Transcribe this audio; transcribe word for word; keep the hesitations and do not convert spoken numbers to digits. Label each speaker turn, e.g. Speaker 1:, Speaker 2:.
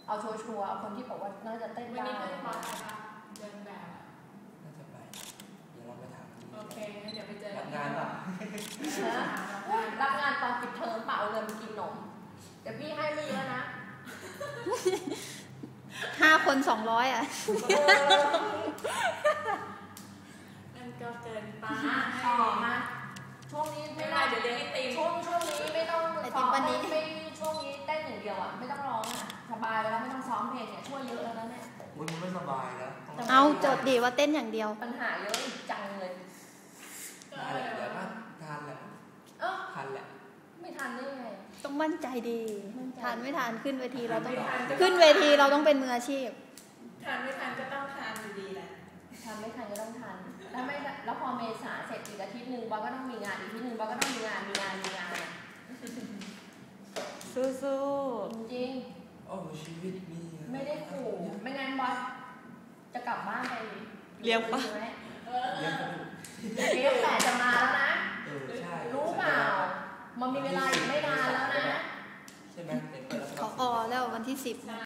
Speaker 1: เอาชัวร์ๆเอาคนที่บอกว่าน่าจะเต้นได้
Speaker 2: วันนี้ไม่ได้บอสไปปะเดินแบบ
Speaker 3: น่าจะไปเดี๋ยวเราไปถาม
Speaker 2: โอเคงั้นเดี๋ยวไปเจอ
Speaker 3: รับงานป่ะ
Speaker 1: รับงานตอนปิดเทอมเปล่าเงินไปกินนมเดี๋ยวพี่ให้ไม่เยอะนะ
Speaker 4: ห้าคนสองร้อยอ่ะ
Speaker 2: นั่นก็เกินไป
Speaker 1: ต่อมาช่วงนี้ไม่ได้
Speaker 2: เดี๋ยวเลี้ยงไอติม
Speaker 1: ช่วงช่วงนี้ไม่ต้องซ้อมไม่ไม่ช่วงนี้เต้นอย่างเดียวอ่ะไม่ต้องร้องอ่ะสบายแล้วไม่ต้องซ้อมเพลงเนี่ยช่วยเยอะแล้วเนี่ย
Speaker 3: อุ้ยมันไม่สบายแล้ว
Speaker 4: เอาจดดีว่าเต้นอย่างเดียว
Speaker 1: ปัญหาเยอะจังเลย
Speaker 3: ได้แหละเดี๋ยวก็ทานแหละ
Speaker 1: เออ
Speaker 3: ทานแหละ
Speaker 1: ไม่ทันได้ไง
Speaker 4: ต้องมั่นใจดีทานไม่ทานขึ้นเวทีเราต้องขึ้นเวทีเราต้องเป็นมืออาชีพ
Speaker 2: ทานไม่ทานก็ต้องทานอยู่ดีแหละ
Speaker 1: ทานไม่ทันก็ต้องทานแล้วไม่แล้วพอเมษาเสร็จอีกอาทิตย์หนึ่งบอสก็ต้องมีงานอีกอาทิตย์หนึ่งบอสก็ต้องมีงานมีงานมีงาน
Speaker 4: สู้
Speaker 1: ๆจริง
Speaker 3: โอ้ชีวิตมี
Speaker 1: ไม่ได้ขู่ไม่งั้นบอสจะกลับบ้านไป
Speaker 4: เลี้ยงปะ
Speaker 3: เลี้ยงปะ
Speaker 1: เลี้ยงแต่จะมาแล้วนะ
Speaker 3: เออใช่
Speaker 1: รู้เปล่ามันมีเวลาอีกไม่นานแล้วนะ
Speaker 3: ใช่ไหมเห็นเปิด
Speaker 4: ขออแล้ววันที่สิบ